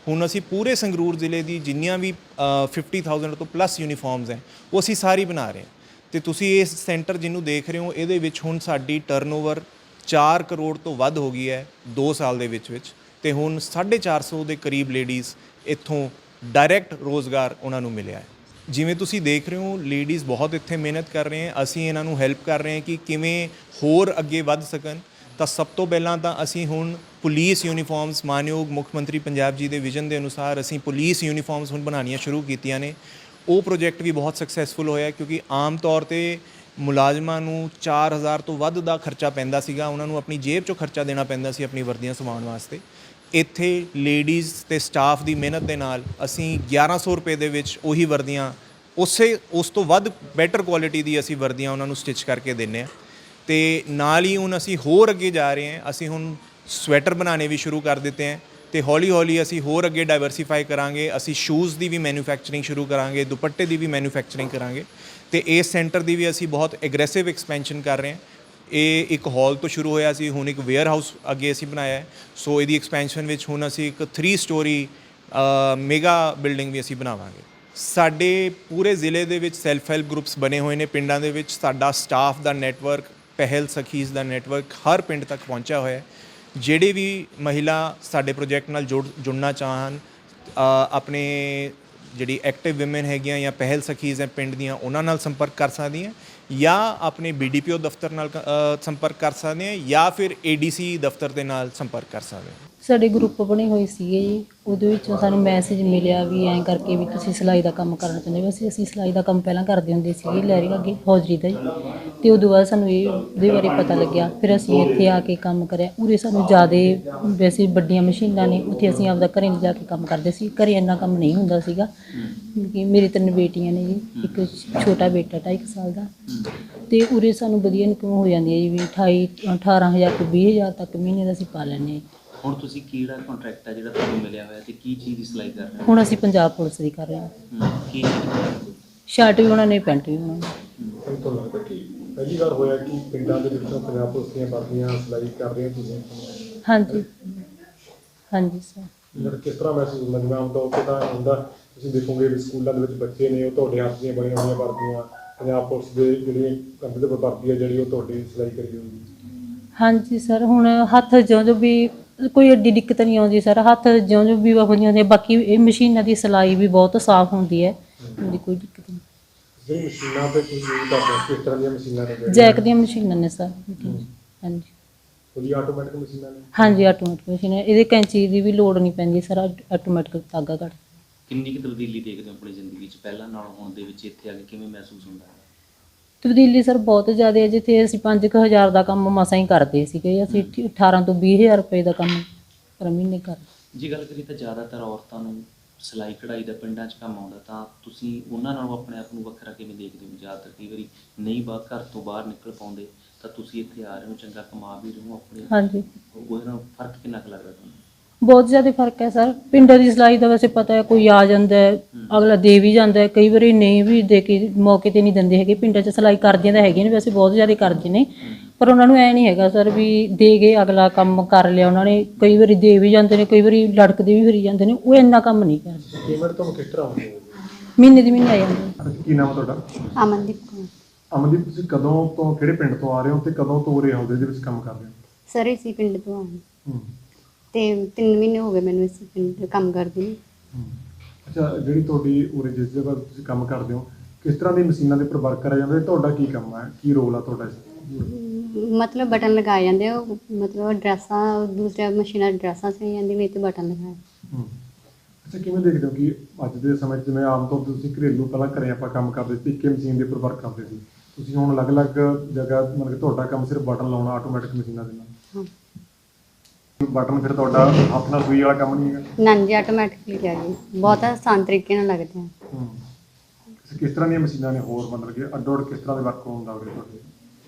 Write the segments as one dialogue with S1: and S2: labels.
S1: ਹੁਣ ਅਸੀਂ ਪੂਰੇ ਸੰਗਰੂਰ ਜ਼ਿਲ੍ਹੇ ਦੀ ਜਿੰਨੀਆਂ ਵੀ 50,000 ਤੋਂ ਪਲੱਸ ਯੂਨੀਫਾਰਮਸ ਹੈ ਉਹ ਅਸੀਂ ਸਾਰੀ ਬਣਾ ਰਹੇ ਹਾਂ। ਅਤੇ ਤੁਸੀਂ ਇਸ ਸੈਂਟਰ ਜਿਹਨੂੰ ਦੇਖ ਰਹੇ ਹੋ ਇਹਦੇ ਵਿੱਚ ਹੁਣ ਸਾਡੀ ਟਰਨਓਵਰ 4 ਕਰੋੜ ਤੋਂ ਵੱਧ ਹੋ ਗਈ ਹੈ 2 ਸਾਲ ਦੇ ਵਿੱਚ ਅਤੇ ਹੁਣ 450 ਦੇ ਕਰੀਬ ਲੇਡੀਜ਼ ਇੱਥੋਂ ਡਾਇਰੈਕਟ ਰੋਜ਼ਗਾਰ ਉਹਨਾਂ ਨੂੰ ਮਿਲਿਆ ਹੈ। ਜਿਵੇਂ ਤੁਸੀਂ ਦੇਖ ਰਹੇ ਹੋ ਲੇਡੀਜ਼ ਬਹੁਤ ਇੱਥੇ ਮਿਹਨਤ ਕਰ ਰਹੇ ਹੈ, ਅਸੀਂ ਇਹਨਾਂ ਨੂੰ ਹੈਲਪ ਕਰ ਰਹੇ ਹਾਂ ਕਿ ਕਿਵੇਂ ਹੋਰ ਅੱਗੇ ਵੱਧ ਸਕਣ। ਤਾਂ ਸਭ ਤੋਂ ਪਹਿਲਾਂ ਤਾਂ ਅਸੀਂ ਹੁਣ ਪੁਲਿਸ ਯੂਨੀਫਾਰਮਸ ਮਾਨਯੋਗ ਮੁੱਖ ਮੰਤਰੀ ਪੰਜਾਬ ਜੀ ਦੇ ਵਿਜ਼ਨ ਦੇ ਅਨੁਸਾਰ ਅਸੀਂ ਪੁਲਿਸ ਯੂਨੀਫਾਰਮਸ ਹੁਣ ਬਣਾਉਣੀਆਂ ਸ਼ੁਰੂ ਕੀਤੀਆਂ ਨੇ। ਉਹ ਪ੍ਰੋਜੈਕਟ ਵੀ ਬਹੁਤ ਸਕਸੈਸਫੁਲ ਹੋਇਆ ਕਿਉਂਕਿ ਆਮ ਤੌਰ 'ਤੇ ਮੁਲਾਜ਼ਮਾਂ ਨੂੰ 4,000 ਤੋਂ ਵੱਧ ਦਾ ਖਰਚਾ ਪੈਂਦਾ ਸੀਗਾ, ਉਹਨਾਂ ਨੂੰ ਆਪਣੀ ਜੇਬ 'ਚੋਂ ਖਰਚਾ ਦੇਣਾ ਪੈਂਦਾ ਸੀ ਆਪਣੀ ਵਰਦੀਆਂ ਸਵਾਉਣ ਵਾਸਤੇ। ਇੱਥੇ ਲੇਡੀਜ਼ ਅਤੇ ਸਟਾਫ ਦੀ ਮਿਹਨਤ ਦੇ ਨਾਲ ਅਸੀਂ 1100 ਰੁਪਏ ਦੇ ਵਿੱਚ ਉਹੀ ਵਰਦੀਆਂ ਉਸ ਤੋਂ ਵੱਧ ਬੈਟਰ ਕੁਆਲਿਟੀ ਦੀ ਅਸੀਂ ਵਰਦੀਆਂ ਉਹਨਾਂ ਨੂੰ ਸਟਿਚ ਕਰਕੇ ਦਿੰਦੇ ਹਾਂ। ਅਤੇ ਨਾਲ ਹੀ ਹੁਣ ਅਸੀਂ ਹੋਰ ਅੱਗੇ ਜਾ ਰਹੇ ਹਾਂ, ਅਸੀਂ ਹੁਣ ਸਵੈਟਰ ਬਣਾਉਣੇ ਵੀ ਸ਼ੁਰੂ ਕਰ ਦਿੱਤੇ ਹੈ ਅਤੇ ਹੌਲੀ ਹੌਲੀ ਅਸੀਂ ਹੋਰ ਅੱਗੇ ਡਾਇਵਰਸੀਫਾਈ ਕਰਾਂਗੇ। ਅਸੀਂ ਸ਼ੂਜ਼ ਦੀ ਵੀ ਮੈਨੂਫੈਕਚਰਿੰਗ ਸ਼ੁਰੂ ਕਰਾਂਗੇ, ਦੁਪੱਟੇ ਦੀ ਵੀ ਮੈਨੂਫੈਕਚਰਿੰਗ ਕਰਾਂਗੇ ਅਤੇ ਇਸ ਸੈਂਟਰ ਦੀ ਵੀ ਅਸੀਂ ਬਹੁਤ ਐਗਰੈਸਿਵ ਐਕਸਪੈਂਸ਼ਨ ਕਰ ਰਹੇ ਹਾਂ। ਇਹ ਇੱਕ ਹਾਲ ਤੋਂ ਸ਼ੁਰੂ ਹੋਇਆ ਸੀ, ਹੁਣ ਇੱਕ ਵੇਅਰ ਹਾਊਸ ਅੱਗੇ ਅਸੀਂ ਬਣਾਇਆ ਹੈ। ਸੋ ਇਹਦੀ ਐਕਸਪੈਂਸ਼ਨ ਵਿੱਚ ਹੁਣ ਅਸੀਂ ਇੱਕ 3 ਸਟੋਰੀ ਮੈਗਾ ਬਿਲਡਿੰਗ ਵੀ ਅਸੀਂ ਬਣਾਵਾਂਗੇ। ਸਾਡੇ ਪੂਰੇ ਜ਼ਿਲ੍ਹੇ ਦੇ ਵਿੱਚ ਸੈਲਫ ਹੈਲਪ ਗਰੁੱਪਸ ਬਣੇ ਹੋਏ ਨੇ ਪਿੰਡਾਂ ਦੇ ਵਿੱਚ। ਸਾਡਾ ਸਟਾਫ ਦਾ ਨੈਟਵਰਕ, ਪਹਿਲ ਸਖੀਜ਼ ਦਾ ਨੈਟਵਰਕ ਹਰ ਪਿੰਡ ਤੱਕ ਪਹੁੰਚਿਆ ਹੋਇਆ ਹੈ। ਜਿਹੜੇ ਵੀ ਮਹਿਲਾ ਸਾਡੇ ਪ੍ਰੋਜੈਕਟ ਨਾਲ ਜੁੜਨਾ ਚਾਹਣ, ਆਪਣੇ ਜਿਹੜੀ ਐਕਟਿਵ ਵਿਮਨ ਹੈਗੀਆਂ ਜਾਂ ਪਹਿਲ ਸਖੀਜ਼ ਹੈ ਪਿੰਡ ਦੀਆਂ ਉਹਨਾਂ ਨਾਲ ਸੰਪਰਕ ਕਰ ਸਕਦੀਆਂ ਜਾਂ ਆਪਣੇ BDPO ਦਫ਼ਤਰ ਨਾਲ ਸੰਪਰਕ ਕਰ ਸਕਦੇ ਹਾਂ ਜਾਂ ਫਿਰ ADC ਦਫ਼ਤਰ ਦੇ ਨਾਲ ਸੰਪਰਕ ਕਰ ਸਕਦੇ ਹਾਂ।
S2: ਸਾਡੇ ਗਰੁੱਪ ਬਣੇ ਹੋਏ ਸੀਗੇ ਜੀ, ਉਹਦੇ ਵਿੱਚੋਂ ਸਾਨੂੰ ਮੈਸੇਜ ਮਿਲਿਆ ਵੀ ਐਂ ਕਰਕੇ ਵੀ ਤੁਸੀਂ ਸਿਲਾਈ ਦਾ ਕੰਮ ਕਰਨਾ ਚਾਹੁੰਦੇ ਹੋ। ਅਸੀਂ ਸਿਲਾਈ ਦਾ ਕੰਮ ਪਹਿਲਾਂ ਕਰਦੇ ਹੁੰਦੇ ਸੀਗੇ ਲਹਿਰੀ ਅੱਗੇ ਹੌਜਰੀ ਦਾ ਜੀ, ਅਤੇ ਉਦੋਂ ਬਾਅਦ ਸਾਨੂੰ ਇਹਦੇ ਬਾਰੇ ਪਤਾ ਲੱਗਿਆ। ਫਿਰ ਅਸੀਂ ਇੱਥੇ ਆ ਕੇ ਕੰਮ ਕਰਿਆ। ਉਰੇ ਸਾਨੂੰ ਜ਼ਿਆਦਾ ਵੈਸੇ ਵੱਡੀਆਂ ਮਸ਼ੀਨਾਂ ਨੇ, ਉੱਥੇ ਅਸੀਂ ਆਪਦਾ ਘਰੇ ਜਾ ਕੇ ਕੰਮ ਕਰਦੇ ਸੀ। ਘਰੇ ਇੰਨਾ ਕੰਮ ਨਹੀਂ ਹੁੰਦਾ ਸੀਗਾ ਕਿਉਂਕਿ ਮੇਰੀ 3 ਬੇਟੀਆਂ ਨੇ ਜੀ, ਇੱਕ ਛੋਟਾ ਬੇਟਾ 2.5 ਸਾਲ ਦਾ, ਅਤੇ ਉਰੇ ਸਾਨੂੰ ਵਧੀਆ ਇਨਕਮ ਹੋ ਜਾਂਦੀ ਹੈ ਜੀ, ਵੀ 18,000 ਤੋਂ 20,000 ਤੱਕ ਮਹੀਨੇ ਦਾ ਅਸੀਂ ਪਾ ਲੈਂਦੇ ਹਾਂ।
S3: ਹੁਣ ਤੁਸੀਂ ਕਿਹੜਾ ਕੰਟਰੈਕਟ ਹੈ ਜਿਹੜਾ ਤੁਹਾਨੂੰ ਮਿਲਿਆ ਹੋਇਆ ਤੇ ਕੀ ਚੀਜ਼ ਦੀ ਸਿਲਾਈ ਕਰ ਰਹੇ ਹੋ?
S2: ਹੁਣ ਅਸੀਂ ਪੰਜਾਬ ਪੁਲਿਸ ਦੀ ਕਰ ਰਹੇ ਹਾਂ।
S3: ਕੀ ਚੀਜ਼ ਕਰ ਰਹੇ ਹੋ?
S2: ਸ਼ਰਟ ਵੀ ਬਣਾਉਣੀ, ਪੈਂਟ ਵੀ ਬਣਾਉਣੀ।
S4: ਤੁਹਾਨੂੰ ਲੱਗਦਾ ਕਿ ਪਹਿਲੀ ਵਾਰ ਹੋਇਆ ਕਿ ਪਿੰਡਾਂ ਦੇ ਵਿੱਚੋਂ ਪੰਜਾਬ ਪੁਲਿਸ ਦੀਆਂ ਵਰਦੀਆਂ ਸਿਲਾਈ ਕਰ ਰਹੇ ਹੋ ਤੁਸੀਂ?
S2: ਹਾਂਜੀ ਹਾਂਜੀ ਸਰ।
S4: ਮਤਲਬ ਕਿਸ ਤਰ੍ਹਾਂ ਮਹਿਸੂਸ ਹੁੰਦਾ? ਜਿਵੇਂ ਆਮ ਤੌਰ 'ਤੇ ਤਾਂ ਹੁੰਦਾ, ਤੁਸੀਂ ਦੇਖੋਗੇ ਵੀ ਸਕੂਲਾਂ ਦੇ ਵਿੱਚ ਬੱਚੇ ਨੇ ਉਹ ਤੁਹਾਡੇ ਹੱਥ ਦੀਆਂ ਬਣੀਆਂ ਹੋਈਆਂ ਵਰਦੀਆਂ, ਪੰਜਾਬ ਪੁਲਿਸ ਦੇ ਜਿਹੜੀ ਕੰਪਨੀ ਦੇ ਵਰਦੀ ਹੈ ਜਿਹੜੀ ਉਹ ਤੁਹਾਡੀ ਸਿਲਾਈ ਕਰੀ ਹੋਊਗੀ।
S2: ਹਾਂਜੀ ਸਰ, ਹੁਣ ਹੱਥ ਜਿਉਂ ਵੀ ਕੋਈ ਐਡੀ ਦਿੱਕਤ ਨਹੀਂ ਆਉਂਦੀ ਸਰ, ਹੱਥ ਜਿਉਂ ਵੀ ਬਣੀਆਂ ਹੁੰਦੀਆਂ। ਬਾਕੀ ਇਹ ਮਸ਼ੀਨਾਂ ਦੀ ਸਿਲਾਈ ਵੀ ਬਹੁਤ ਸਾਫ਼ ਹੁੰਦੀ ਹੈ, ਉਹਦੀ ਕੋਈ ਦਿੱਕਤ ਨਹੀਂ।
S4: ਜਿਹੜੀ ਮਸ਼ੀਨਾਂ 'ਤੇ ਤੁਸੀਂ ਯੂਜ਼ ਕਰਦੇ ਹੋ ਕਿਸ ਤਰ੍ਹਾਂ ਦੀਆਂ ਮਸ਼ੀਨਾਂ ਨੇ?
S2: ਜੈਕ ਦੀਆਂ ਮਸ਼ੀਨਾਂ ਨੇ ਸਰ। ਹਾਂਜੀ
S4: ਉਹਦੀ ਆਟੋਮੈਟਿਕ ਮਸ਼ੀਨਾਂ ਨੇ?
S2: ਹਾਂਜੀ ਆਟੋਮੈਟਿਕ ਮਸ਼ੀਨ ਹੈ, ਇਹਦੇ ਕੈਂਚੀ ਦੀ ਵੀ ਲੋੜ ਨਹੀਂ ਪੈਂਦੀ ਸਰ, ਆਟੋਮੈਟਿਕ ਧਾਗਾ ਕੱਢ।
S3: ਕਿੰਨੀ ਕੁ ਤਬਦੀਲੀ ਦੇਖਦੇ ਹੋ ਆਪਣੀ ਜ਼ਿੰਦਗੀ 'ਚ ਪਹਿਲਾਂ ਨਾਲ ਹੁਣ ਦੇ ਵਿੱਚ? ਇੱਥੇ ਆ ਕੇ ਕਿਵੇਂ ਮਹਿਸੂਸ ਹੁੰਦਾ ਹੈ?
S2: ਤਬਦੀਲੀ ਸਰ ਬਹੁਤ ਜ਼ਿਆਦਾ ਹੈ। ਜਿੱਥੇ ਅਸੀਂ 5,000 ਦਾ ਕੰਮ ਮਸਾਂ ਹੀ ਕਰਦੇ ਸੀਗੇ, ਅਸੀਂ 18 ਤੋਂ 20,000 ਰੁਪਏ ਦਾ ਕੰਮ ਪਰ ਮਹੀਨੇ ਕਰਦੇ।
S3: ਜੇ ਗੱਲ ਕਰੀਏ ਤਾਂ ਜ਼ਿਆਦਾਤਰ ਔਰਤਾਂ ਨੂੰ ਸਿਲਾਈ ਕਢਾਈ ਦਾ ਪਿੰਡਾਂ 'ਚ ਕੰਮ ਆਉਂਦਾ, ਤਾਂ ਤੁਸੀਂ ਉਹਨਾਂ ਨਾਲੋਂ ਆਪਣੇ ਆਪ ਨੂੰ ਵੱਖਰਾ ਕਿਵੇਂ ਦੇਖਦੇ ਹੋ? ਜ਼ਿਆਦਾਤਰ ਕਈ ਵਾਰੀ ਨਹੀਂ ਘਰ ਤੋਂ ਬਾਹਰ ਨਿਕਲ ਪਾਉਂਦੇ, ਤਾਂ ਤੁਸੀਂ ਇੱਥੇ ਆ ਰਹੇ ਹੋ, ਚੰਗਾ ਕਮਾ ਵੀ ਰਹੇ ਹੋ ਆਪਣੇ।
S2: ਹਾਂਜੀ,
S3: ਉਹਦੇ ਨਾਲ ਫਰਕ ਕਿੰਨਾ ਕੁ ਲੱਗਦਾ ਤੁਹਾਨੂੰ?
S2: ਬਹੁਤ ਜ਼ਿਆਦਾ ਫਰਕ ਹੈ ਸਰ। ਪਿੰਡਾਂ ਦੀ ਸਿਲਾਈ ਦਾ ਵੈਸੇ ਪਤਾ ਹੈ, ਕੋਈ ਆ ਜਾਂਦਾ ਹੈ ਅਗਲਾ ਦੇ ਵੀ ਜਾਂਦਾ ਹੈ, ਕਈ ਵਾਰੀ ਨਹੀਂ ਵੀ ਦੇ ਕੇ ਮੌਕੇ 'ਤੇ ਨਹੀਂ ਦਿੰਦੇ ਹੈਗੇ। ਪਿੰਡਾਂ 'ਚ ਸਿਲਾਈ ਕਰਦੀਆਂ ਤਾਂ ਹੈਗੀਆਂ ਨੇ ਵੈਸੇ, ਬਹੁਤ ਜ਼ਿਆਦਾ ਕਰਦੇ ਨੇ, ਪਰ ਉਹਨਾਂ ਨੂੰ ਐਂ ਨਹੀਂ ਹੈਗਾ ਸਰ ਵੀ ਦੇ ਗਏ ਅਗਲਾ ਕੰਮ ਕਰ ਲਿਆ ਉਹਨਾਂ ਨੇ। ਕਈ ਵਾਰੀ ਦੇ ਵੀ ਜਾਂਦੇ ਨੇ, ਕਈ ਵਾਰੀ ਲੜਕਦੇ ਵੀ ਫਿਰੀ ਜਾਂਦੇ ਨੇ, ਉਹ ਇੰਨਾ ਕੰਮ ਨਹੀਂ ਕਰਦੇ।
S4: ਪੇਮੈਂਟ ਤੁਹਾਨੂੰ ਕਿਸ ਤਰ੍ਹਾਂ ਆਉਂਦੀ ਹੈ?
S2: ਮਹੀਨੇ ਦੀ ਮਹੀਨੇ ਆ ਜਾਂਦੇ।
S4: ਕੀ ਨਾਮ ਹੈ ਤੁਹਾਡਾ?
S5: ਅਮਨਦੀਪ ਕੌਰ।
S4: ਅਮਨਦੀਪ, ਤੁਸੀਂ ਕਦੋਂ ਤੋਂ ਕਿਹੜੇ ਪਿੰਡ ਤੋਂ ਆ ਰਹੇ ਹੋ ਤੇ ਕਦੋਂ ਤੋਂ ਉਰੇ ਆਉਂਦੇ ਦੇ ਵਿੱਚ ਕੰਮ ਕਰਦੇ ਹੋ?
S5: ਸਰ ਇਸੀ ਪਿੰਡ ਤੋਂ ਆਏ
S4: ਹੂੰ
S5: ਤੇ 3 ਮਹੀਨੇ ਹੋ ਗਏ ਮੈਨੂੰ ਇਸ ਪਿੰਡ ਕੰਮ ਕਰਦੀ ਨੂੰ।
S4: ਅੱਛਾ, ਜਿਹੜੀ ਤੁਹਾਡੀ ਉਰੇ ਜਿਸ ਜਗ੍ਹਾ ਤੁਸੀਂ ਕੰਮ ਕਰਦੇ ਹੋ, ਕਿਸ ਤਰ੍ਹਾਂ ਦੀ ਮਸ਼ੀਨਾਂ ਦੇ ਉੱਪਰ ਵਰਕ ਕਰਿਆ ਜਾਂਦਾ? ਤੁਹਾਡਾ ਕੀ ਕੰਮ ਹੈ, ਕੀ ਰੋਲ ਆ ਤੁਹਾਡਾ ਇਸ?
S5: ਮਤਲਬ ਬਟਨ ਲਗਾਏ ਜਾਂਦੇ ਆ, ਮਤਲਬ ਡਰੈਸਾਂ ਦੂਸਰੀਆਂ ਮਸ਼ੀਨਾਂ ਡਰੈਸਾਂ ਸਿਲਾਈ ਜਾਂਦੀਆਂ ਨੇ ਤੇ ਬਟਨ ਲਗਾਏ।
S4: ਅੱਛਾ, ਕਿਵੇਂ ਦੇਖਦੇ ਹੋ ਕਿ ਅੱਜ ਦੇ ਸਮੇਂ 'ਚ ਜਿਵੇਂ ਆਮ ਤੌਰ 'ਤੇ ਤੁਸੀਂ ਘਰੇਲੂ ਪਹਿਲਾਂ ਘਰੇ ਆਪਾਂ ਕੰਮ ਕਰਦੇ ਸੀ, ਇੱਕੇ ਮਸ਼ੀਨ ਦੇ ਉੱਪਰ ਵਰਕ ਕਰਦੇ ਸੀ, ਤੁਸੀਂ ਹੁਣ ਅਲੱਗ-ਅਲੱਗ ਜਗ੍ਹਾ ਮਤਲਬ ਕਿ ਤੁਹਾਡਾ ਕੰਮ ਸਿਰਫ ਬਟਨ ਲਾਉਣਾ ਆਟੋਮੈਟਿਕ ਮਸ਼ੀਨਾਂ ਦੇ ਨਾਲ? ਬਟਨ ਫਿਰ ਤੁਹਾਡਾ ਹੱਥ ਨਾਲ ਸੂਈ ਵਾਲਾ ਕੰਮ ਨਹੀਂ ਹੈਗਾ?
S5: ਨਾ ਜੀ, ਆਟੋਮੈਟਿਕਲੀ ਲਿਆ ਜੀ, ਬਹੁਤ ਆਸਾਨ ਤਰੀਕੇ ਨਾਲ ਲੱਗਦੇ ਆ।
S4: ਕਿਸ ਤਰ੍ਹਾਂ ਦੀਆਂ ਮਸ਼ੀਨਾਂ ਨੇ ਹੋਰ, ਮਤਲਬ ਕਿ ਅੱਡੋ-ਅੱਡ ਕਿਸ ਤਰ੍ਹਾਂ ਦੇ ਵਰਕ ਹੁੰਦਾ ਉਹਦੇ ਤੁਹਾਡੇ?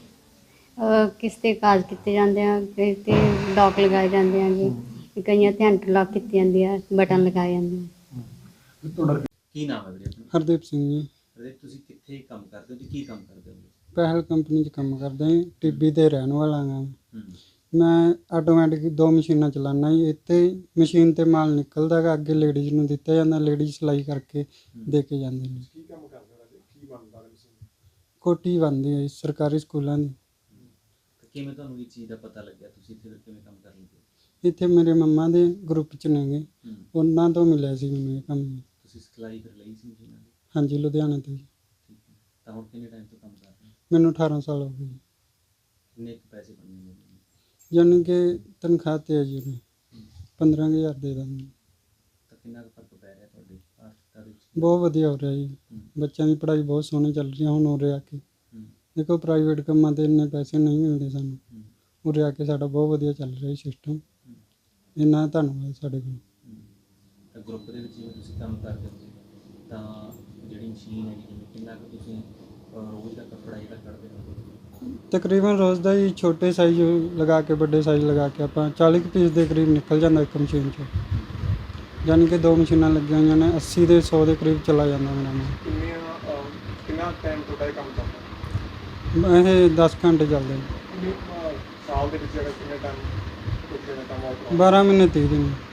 S5: ਕਿਸ 'ਤੇ ਕਾਜ ਕੀਤੇ ਜਾਂਦੇ ਆ, ਕਿਸ 'ਤੇ ਲੋਕ ਲਗਾਏ ਜਾਂਦੇ ਹੈਗੇ, ਕਈਆਂ 'ਤੇ ਇੰਟਰਲੌਕ ਕੀਤੀ ਜਾਂਦੀ ਆ, ਬਟਨ ਲਗਾਏ ਜਾਂਦੇ ਆ।
S4: ਤੁਹਾਡਾ
S3: ਕੀ ਨਾਮ ਹੈ ਵੀਰੇ ਆਪਣਾ?
S6: ਹਰਦੀਪ ਸਿੰਘ ਜੀ।
S3: ਵੀਰੇ ਤੁਸੀਂ ਕਿੱਥੇ ਕੰਮ ਕਰਦੇ ਹੋ ਤੇ ਕੀ ਕੰਮ ਕਰਦੇ ਹੋ?
S6: ਪਹਿਲ ਕੰਪਨੀ 'ਚ ਕੰਮ ਕਰਦਾ ਹਾਂ, ਟਿੱਬੀ 'ਤੇ ਰਹਿਣ ਵਾਲਾ ਹਾਂ। ਮੈਂ ਆਟੋਮੈਟਿਕ 2 ਮਸ਼ੀਨਾਂ ਚਲਾਉਂਦਾ ਜੀ। ਇੱਥੇ ਮਸ਼ੀਨ ਤੇ ਮਾਲ ਨਿਕਲਦਾ ਗਾ, ਅੱਗੇ ਲੇਡੀਜ਼ ਨੂੰ ਦਿੱਤਾ ਜਾਂਦਾ, ਲੇਡੀਜ਼ ਸਿਲਾਈ ਕਰਕੇ ਦੇ ਕੇ ਜਾਂਦੇ ਨੇ।
S4: ਕੀ ਕੰਮ ਕਰਦੇ ਹੋ ਰਾਜੇ, ਕੀ ਬਣਦਾ ਮਸ਼ੀਨ?
S6: ਕੋਟੀ ਬਣਦੀ ਹੈ ਜੀ ਸਰਕਾਰੀ ਸਕੂਲਾਂ ਦੀ।
S3: ਤੇ ਕਿਵੇਂ ਤੁਹਾਨੂੰ ਇਹ ਚੀਜ਼ ਦਾ ਪਤਾ ਲੱਗਿਆ, ਤੁਸੀਂ ਇੱਥੇ ਫਿਰ ਕਿਵੇਂ ਕੰਮ ਕਰ ਲੈਂਦੇ?
S6: ਇੱਥੇ ਮੇਰੇ ਮੰਮਾ ਦੇ ਗਰੁੱਪ 'ਚ ਨੇਗੇ,
S3: ਹੂੰ।
S6: ਉਹਨਾਂ ਤੋਂ ਮਿਲਿਆ ਸੀ ਮੈਨੂੰ ਇਹ ਕੰਮ ਜੀ।
S3: ਤੁਸੀਂ ਸਿਖਲਾਈ ਫਿਰ ਲਈ ਸੀ ਮਸ਼ੀਨਾਂ ਦੀ?
S6: ਹਾਂਜੀ, ਲੁਧਿਆਣਾ ਤੋਂ ਜੀ।
S3: ਠੀਕ ਹੈ। ਤਾਂ ਹੁਣ ਕਿੰਨੇ ਟਾਈਮ ਤੋਂ ਕੰਮ ਕਰ ਰਹੇ ਹੋ?
S6: ਮੈਨੂੰ 18 ਸਾਲ ਹੋ ਗਏ ਜੀ।
S3: ਕਿੰਨੇ ਕੁ ਪੈਸੇ ਬਣਨੇ ਨੇ?
S6: ਯਾਨੀ ਕਿ ਤਨਖਾਹ ਤੇ ਹੈ ਜੀ ਉਹਨੇ 15,000 ਦੇ ਦਾਂਗੇ।
S3: ਤਾਂ ਕਿੰਨਾ ਕੁ ਫਰਕ ਪੈ ਰਿਹਾ ਤੁਹਾਡੀ ਆਰਥਿਕਤਾ ਦੇ ਵਿੱਚ?
S6: ਬਹੁਤ ਵਧੀਆ ਹੋ ਰਿਹਾ ਜੀ।
S3: ਹੂੰ।
S6: ਬੱਚਿਆਂ ਦੀ ਪੜ੍ਹਾਈ ਬਹੁਤ ਸੋਹਣੀ ਚੱਲ ਰਹੀ ਹੈ ਹੁਣ ਉਰੇ ਆ ਕੇ।
S3: ਹੂੰ।
S6: ਦੇਖੋ ਪ੍ਰਾਈਵੇਟ ਕੰਮਾਂ 'ਤੇ ਇੰਨੇ ਪੈਸੇ ਨਹੀਂ ਮਿਲਦੇ ਸਾਨੂੰ,
S3: ਹੂੰ।
S6: ਉਰੇ ਆ ਕੇ ਸਾਡਾ ਬਹੁਤ ਵਧੀਆ ਚੱਲ ਰਿਹਾ ਸਿਸਟਮ। ਇੰਨਾ ਧੰਨਵਾਦ ਸਾਡੇ ਕੋਲ।
S3: ਤਾਂ ਗਰੁੱਪ ਦੇ ਵਿੱਚ ਜਿਵੇਂ ਤੁਸੀਂ ਕੰਮ ਕਰਦੇ ਹੋ ਤਾਂ ਜਿਹੜੀ ਮਸ਼ੀਨ ਹੈ ਜਿਵੇਂ ਕਿੰਨਾ ਕੁ ਤੁਸੀਂ ਰੋਜ਼ ਦਾ ਕੱਪੜਾ ਜਿਹੜਾ ਕੱਢਦੇ ਹੋ?
S6: ਤਕਰੀਬਨ ਰੋਜ਼ ਦਾ ਹੀ ਛੋਟੇ ਸਾਈਜ਼ ਲਗਾ ਕੇ ਵੱਡੇ ਸਾਈਜ਼ ਲਗਾ ਕੇ ਆਪਾਂ 40 ਪੀਸ ਦੇ ਕਰੀਬ ਨਿਕਲ ਜਾਂਦਾ ਇੱਕ ਮਸ਼ੀਨ 'ਚੋਂ। ਯਾਨੀ ਕਿ 2 ਮਸ਼ੀਨਾਂ ਲੱਗੀਆਂ ਹੋਈਆਂ ਨੇ, 80 ਦੇ 100 ਦੇ ਕਰੀਬ ਚਲਾ ਜਾਂਦਾ ਮੇਰਾ ਮਾਲ।
S4: ਕਿੰਨਾ ਟਾਈਮ ਤੁਹਾਡਾ ਇਹ ਕੰਮ ਚੱਲਦਾ?
S6: ਇਹ 10 ਘੰਟੇ ਚੱਲਦੇ ਨੇ।
S4: ਸਾਲ ਦੇ ਵਿੱਚ ਜਿਹੜਾ ਕਿੰਨੇ ਟਾਈਮ ਕੁਝ ਕੰਮ ਆਉਂਦਾ?
S6: 12 ਮਹੀਨੇ 30 ਦਿਨ।